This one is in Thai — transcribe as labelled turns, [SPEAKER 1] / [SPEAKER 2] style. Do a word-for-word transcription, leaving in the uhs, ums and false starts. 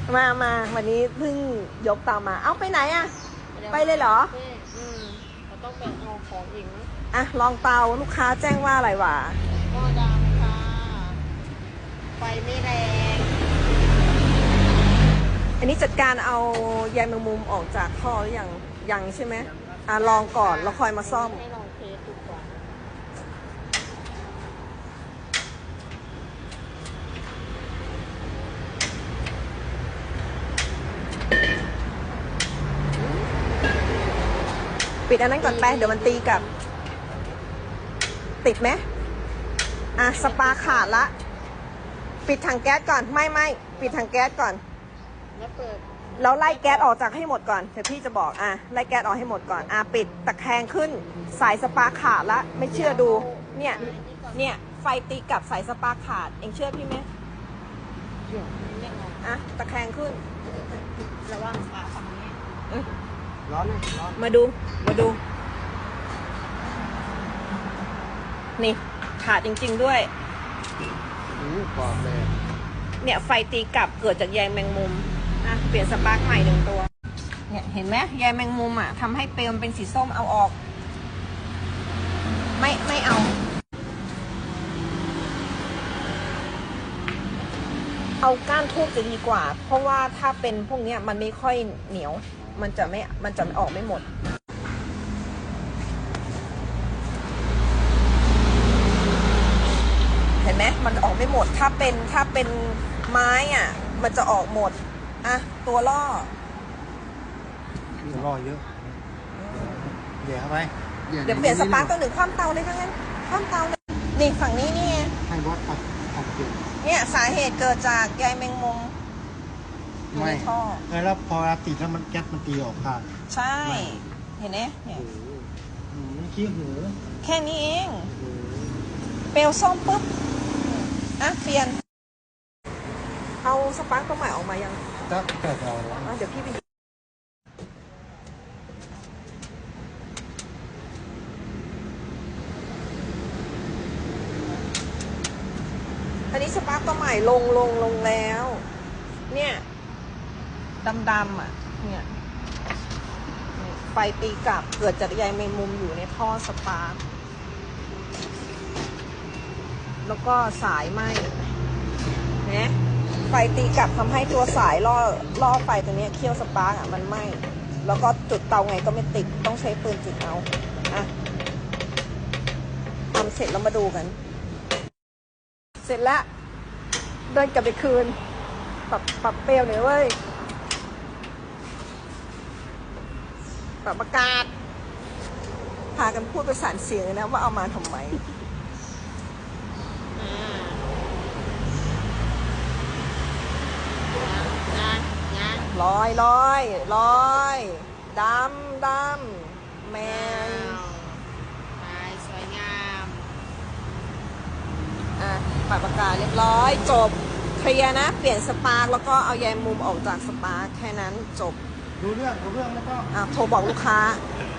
[SPEAKER 1] มามาวันนี้เพิ่งยกเตามาเอ้าไปไหนอะไปเลยเหรอ
[SPEAKER 2] อืมเราต้องไปเอาของอีกนะ
[SPEAKER 1] อ่ะลองเตาลูกค้าแจ้งว่าอะไรวะ
[SPEAKER 2] หม้อดำค่ะไฟไม่แรง
[SPEAKER 1] อันนี้จัดการเอาใยแมงมุมออกจากท่อหรือยังยังใช่ไหมอ่ะลองก่อนแล้วค่อยมาซ่อม
[SPEAKER 2] ให้ลองเทสดูก่อน
[SPEAKER 1] ปิดอันนั้นก่อนไปเดี๋ยวมันตีกับติดไหมอ่ะสปาขาดละปิดถังแก๊สก่อนไม่ไม่ปิดถังแก๊สก่อน
[SPEAKER 2] แล้วเปิด
[SPEAKER 1] แล้วไล่แก๊สออกจากให้หมดก่อนเดี๋ยวพี่จะบอกอ่ะไล่แก๊สออกให้หมดก่อนอ่ะปิดตะแคงขึ้นสายสปาขาดละไม่เชื่อดูเนี่ยเนี่ยไฟตีกับสายสปาขาดเองเชื่อพี่ไหม
[SPEAKER 2] เดี๋ยวไม่ออก
[SPEAKER 1] อ่ะตะแคงขึ้น
[SPEAKER 2] ระวังฝาฝั่งนี้
[SPEAKER 1] ร้อนเลยร้อนมาดูมาดูนี่ขาดจริงๆด้วย
[SPEAKER 3] อู้กรอบเลย
[SPEAKER 1] เนี่ยไฟตีกลับเกิดจากใยแมงมุมอ่ะเปลี่ยนสปาร์คใหม่หนึ่งตัวเนี่ยเห็นไหมใยแมงมุมอ่ะทำให้เปลวมันเป็นสีส้มเอาออกไม่ไม่เอาเอาก้านทูบจะดีกว่าเพราะว่าถ้าเป็นพวกนี้มันไม่ค่อยเหนียวมันจะไม่มันจะออกไม่หมดเห็นไหมมันออกไม่หมดถ้าเป็นถ้าเป็นไม้อ่ะมันจะออกหมดอ่ะตัวล่อ
[SPEAKER 3] ตัวล่อเยอะเดี๋ยวเข้าไป
[SPEAKER 1] เดี๋ยวเปลี่ยนสปาร์กตัวหนึ่งคว่ำเตาเลยทั้งนั้นคว่ำเตาเลยนี่ฝั่งนี้นี่
[SPEAKER 3] ให้บอสตัดตัดเกล็ด
[SPEAKER 1] เนี่ยสาเหตุเกิดจากใยแมงมุมอยู่ในท่อ
[SPEAKER 3] แล้วพอติดแล้วมันแก๊สมันตีออกค่ะ
[SPEAKER 1] ใช่เห็นไหมเนี่ย
[SPEAKER 3] ขี้หู
[SPEAKER 1] แค่นี้เองเปลวส้มปุ๊บอ่ะเปลี่ยนเอาสปาร์กตัวใหม่ออกมายัง
[SPEAKER 3] จะเกิดอะไร
[SPEAKER 1] อ่ะเดี๋ยวพี่ไปอันนี้สปาร์กตัวใหม่ลงลงลงแล้วเนี่ยดำๆอ่ะเนี่ยไฟตีกลับเกิดจากใยแมงมุมอยู่ในท่อสปาร์กแล้วก็สายไหมนะไฟตีกลับทำให้ตัวสายล่อล่อไฟตัวนี้เคี่ยวสปาร์กอ่ะมันไหมแล้วก็จุดเตาไงก็ไม่ติดต้องใช้ปืนจุดเอาอ่ะทำเสร็จแล้วมาดูกันเสร็จแล้วเดินกลับไปคืนปรับปรับเปลวหน่อยเว้ยปรับอากาศพากันพูดประสานเสียงเลยนะว่าเอามาทำไมลอยลอยลอยดำดำแมน
[SPEAKER 2] ลายสวยงาม
[SPEAKER 1] อ่ะปรับอากาศเรียบร้อยจบเคลียร์นะเปลี่ยนสปาร์กแล้วก็เอาใยมุมออกจากสปาร์กแค่นั้นจบ
[SPEAKER 3] รู้เรื่องรู้เรื่องแล้วก็
[SPEAKER 1] อ่ะโทรบอกลูกค้า